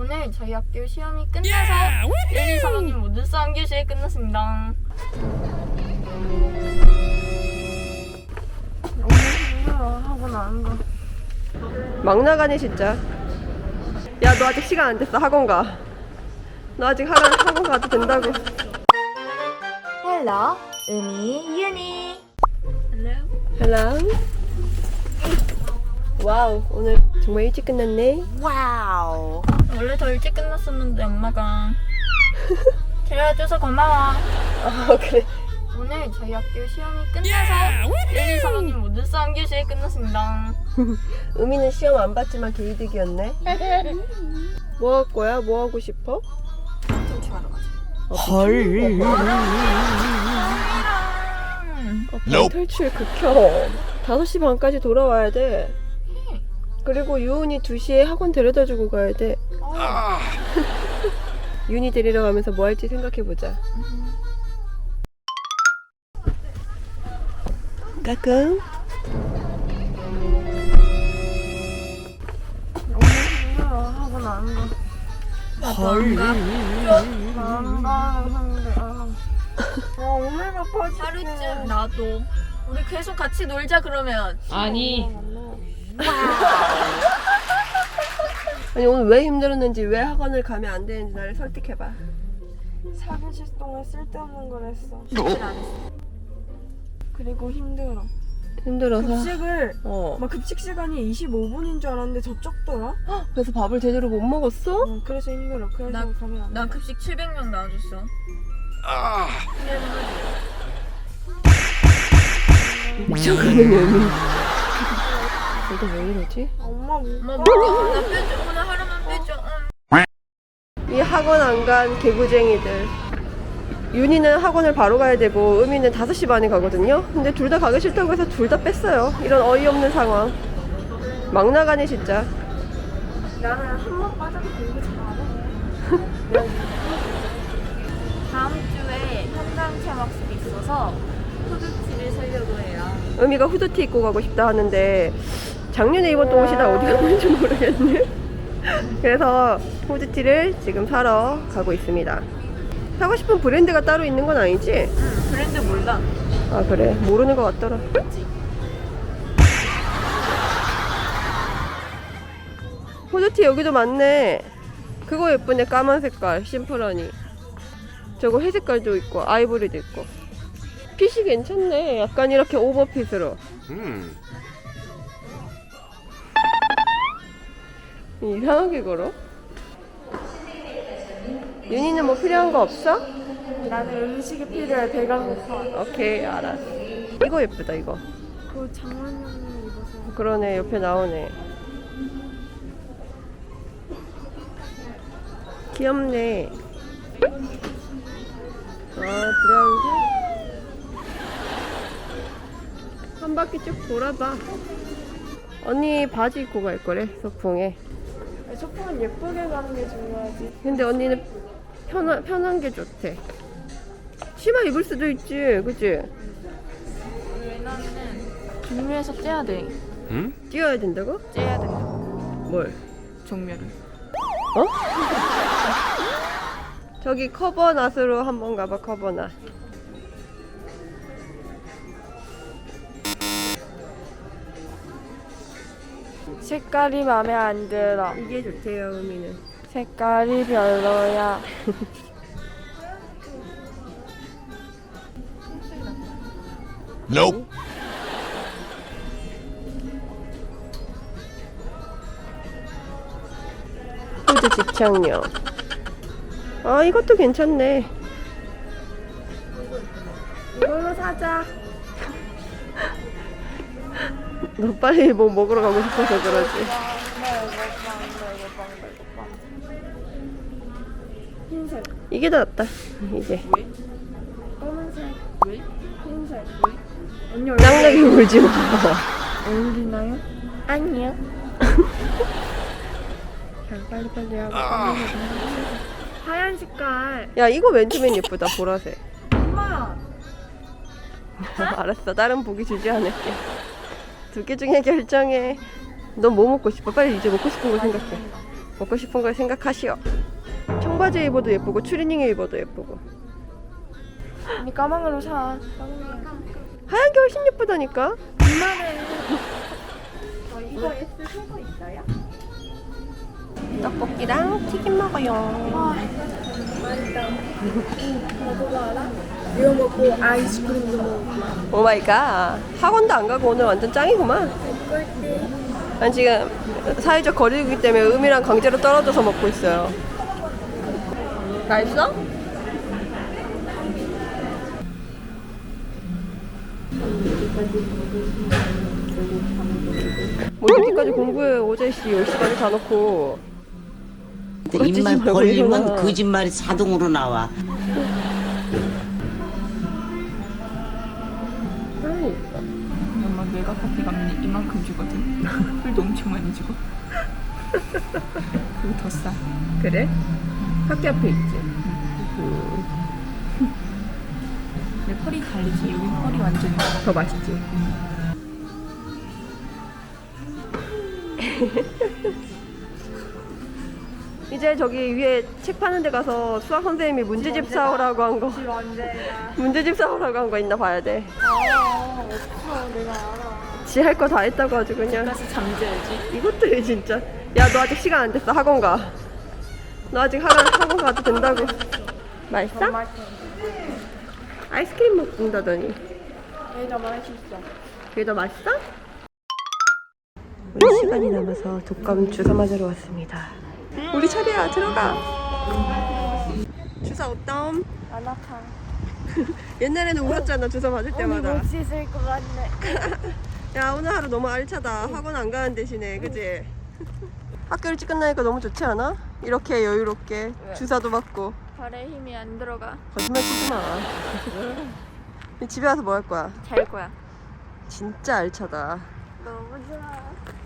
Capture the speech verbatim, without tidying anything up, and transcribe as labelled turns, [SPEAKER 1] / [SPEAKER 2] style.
[SPEAKER 1] 오늘 저희 학교 시험이 끝나서 일, 이, 삼 학년 모두 사 교시 끝났습니다. 너무 힘들어. 학원 안 가.
[SPEAKER 2] 막 나가네 진짜. 야, 너 아직 시간 안 됐어. 학원 가. 너 아직 학원, 학원 가도 된다고.
[SPEAKER 1] 헬로, 음이, 유니. 헬로.
[SPEAKER 2] 헬로. 와우, 오늘 정말 일찍 끝났네.
[SPEAKER 1] 와우. 원래 더 일찍 끝났었는데 엄마가 데려와줘서 고마워.
[SPEAKER 2] 아, 그래.
[SPEAKER 1] 오늘 저희 학교 시험이 끝나서 일, 이, 삼 학년 모두 사 교시 끝났습니다.
[SPEAKER 2] 음이는 시험 안 봤지만 개이득이었네. 뭐 할 거야? 뭐 하고 싶어?
[SPEAKER 1] 탈출하러 가자.
[SPEAKER 2] 헐. 어, 탈출 극혐. 다섯 시 반까지 돌아와야 돼. 그리고 유은이 두 시에 학원 데려다 주고 가야 돼.
[SPEAKER 1] 아.
[SPEAKER 2] 윤이 데리러 가면서 뭐 할지 생각해보자. 까꿍.
[SPEAKER 1] 너무 힘들어. 학원 안 가.
[SPEAKER 2] 헐.
[SPEAKER 1] 안 가는데. 아, 오늘가 빠지. 하루쯤 나도. 우리 계속 같이 놀자 그러면.
[SPEAKER 3] 아니
[SPEAKER 2] 아니 오늘 왜 힘들었는지, 왜 학원을 가면 안 되는지 나를 설득해봐.
[SPEAKER 4] 사 교시 동안 쓸데없는 걸 했어.
[SPEAKER 1] 숙제를 안 했어.
[SPEAKER 4] 그리고 힘들어.
[SPEAKER 2] 힘들어서.
[SPEAKER 4] 급식을
[SPEAKER 2] 어.
[SPEAKER 4] 막 급식 시간이 이십오 분인 줄 알았는데 더 적더라.
[SPEAKER 2] 그래서 밥을 제대로 못 먹었어?
[SPEAKER 4] 어, 그래서 힘들어. 그래서
[SPEAKER 1] 나-
[SPEAKER 4] 가면 안 돼.
[SPEAKER 1] 나 급식 칠백 명 나와줬어.
[SPEAKER 2] 미쳐가는 의미. 너도 왜 이러지?
[SPEAKER 4] 엄마 못
[SPEAKER 1] 엄마
[SPEAKER 4] 가.
[SPEAKER 1] 먹어. 나 빼줘. 오늘 하루만 빼줘. 응.
[SPEAKER 2] 이 학원 안 간 개구쟁이들. 윤이는 학원을 바로 가야 되고 음이는 다섯 시 반에 가거든요. 근데 둘 다 가기 싫다고 해서 둘 다 뺐어요. 이런 어이없는 상황. 막 나가네 진짜.
[SPEAKER 4] 나는 한 번 빠져도 공부 잘해.
[SPEAKER 1] 다음 주에 현장 체험학습이 있어서 후드티를 사려고 해요.
[SPEAKER 2] 음이가 후드티 입고 가고 싶다 하는데 작년에 입었던 옷이 다 어디 갔는지 모르겠네. 그래서 후드티를 지금 사러 가고 있습니다. 사고 싶은 브랜드가 따로 있는 건 아니지?
[SPEAKER 1] 응, 브랜드 몰라.
[SPEAKER 2] 아 그래, 모르는 것 같더라. 후드티 여기도 많네. 그거 예쁘네. 까만 색깔 심플하니. 저거 회색깔도 있고 아이보리도 있고. 핏이 괜찮네. 약간 이렇게 오버핏으로.
[SPEAKER 5] 음.
[SPEAKER 2] 이상하게 걸어. 윤희는 뭐 필요한 거 없어?
[SPEAKER 4] 나는 음식이 필요해. 배가 고파.
[SPEAKER 2] 오케이, 알았어. 이거 예쁘다 이거.
[SPEAKER 4] 그 장원영이 입어서.
[SPEAKER 2] 그러네, 옆에 나오네. 귀엽네. 아, 브라운색? 한 바퀴 쭉 돌아봐. 언니 바지 입고 갈 거래, 소풍에.
[SPEAKER 4] 소풍은 예쁘게 가는 게 중요하지.
[SPEAKER 2] 근데 언니는 편한, 편한 게 좋대. 치마 입을 수도 있지, 그치?
[SPEAKER 1] 왜냐면은 종류에서 째야 돼.
[SPEAKER 5] 음?
[SPEAKER 2] 뛰어야 된다고?
[SPEAKER 1] 째야 된다.
[SPEAKER 2] 뭘?
[SPEAKER 1] 종류를.
[SPEAKER 2] 어? 저기 커버낫으로 한번 가봐. 커버낫.
[SPEAKER 4] 색깔이 마음에 안 들어.
[SPEAKER 2] 이게 좋대요, 의미는.
[SPEAKER 4] 색깔이 별로야.
[SPEAKER 5] Nope.
[SPEAKER 2] 후드 집착용. 아, 이것도 괜찮네.
[SPEAKER 4] 이걸로 사자.
[SPEAKER 2] 너 빨리 뭐 먹으러 가고 싶어서 그러지.
[SPEAKER 4] 흰색,
[SPEAKER 2] 이게 더 낫다, 이제.
[SPEAKER 4] 검은색,
[SPEAKER 1] 왜?
[SPEAKER 4] 흰색. 언니 얼굴
[SPEAKER 2] 짱나게 울지 마.
[SPEAKER 4] 어울리나요?
[SPEAKER 2] 아니요. 자, 빨리빨리 하고.
[SPEAKER 4] 하얀 색깔.
[SPEAKER 2] 야, 이거 맨투맨 예쁘다, 보라색.
[SPEAKER 4] 엄마.
[SPEAKER 2] 알았어, 다른 보기 주지 않을게. 두 개 중에 결정해. 넌 뭐 먹고 싶어? 빨리 이제 먹고 싶은 거 생각해. 먹고 싶은 걸 생각하시오. 청바지에 입어도 예쁘고 추리닝에 입어도 예쁘고.
[SPEAKER 4] 언니 까망으로 사.
[SPEAKER 2] 하얀 게 훨씬 예쁘다니까.
[SPEAKER 1] 이거 S 속어 있어요?
[SPEAKER 2] 떡볶이랑 튀김 먹어요.
[SPEAKER 4] 이거 먹고 아이스크림도 먹고.
[SPEAKER 2] 오 마이 갓. 학원도 안 가고 오늘 완전 짱이구만. 난 지금 사회적 거리두기 때문에 음이랑 강제로 떨어져서 먹고 있어요. 맛있어? 뭐 이렇게까지 공부해. 어제 씨 열 시간에 다 놓고.
[SPEAKER 3] 근데 입만
[SPEAKER 2] 말고
[SPEAKER 3] 벌리면
[SPEAKER 2] 일어나.
[SPEAKER 3] 거짓말이 자동으로 나와.
[SPEAKER 1] 엄마 내가 커피 가면 이만큼 주거든. 풀도 엄청 많이 주고. 그리고 더 싸.
[SPEAKER 2] 그래? 학교 앞에 있지.
[SPEAKER 1] 근데 펄이 다르지. 여기 펄이 완전
[SPEAKER 2] 더 맛있지. 이제 저기 위에 책 파는 데 가서 수학 선생님이 문제집 사오라고 한 거. 문제집 사오라고 한 거 있나 봐야 돼.
[SPEAKER 4] 아 없어 내가 알아.
[SPEAKER 2] 지 할 거 다 했다고 아주 그냥.
[SPEAKER 1] 다시 잠재야지.
[SPEAKER 2] 이것도 해 진짜. 야 너 아직 시간 안 됐어. 학원 가. 너 아직 학원, 학원 가도 된다고. 맛있어? 아이스크림 먹는다더니.
[SPEAKER 4] 얘더 맛있어.
[SPEAKER 2] 그게 더 맛있어? 우리 시간이 남아서 독감 주사 맞으러 왔습니다. 우리 차례야. 들어가. 주사 어떤?
[SPEAKER 4] 안 아파.
[SPEAKER 2] 옛날에는 울었잖아. 주사 맞을 때마다.
[SPEAKER 4] 못 씻을 것 같네.
[SPEAKER 2] 야 오늘 하루 너무 알차다. 학원 안 가는 대신에 그지? 학교 일찍 끝나니까 너무 좋지 않아? 이렇게 여유롭게 주사도 맞고.
[SPEAKER 1] 발에 힘이 안 들어가.
[SPEAKER 2] 거짓말 치지 마. 집에 와서 뭐 할 거야?
[SPEAKER 1] 잘 거야.
[SPEAKER 2] 진짜 알차다.
[SPEAKER 4] 너무 좋아.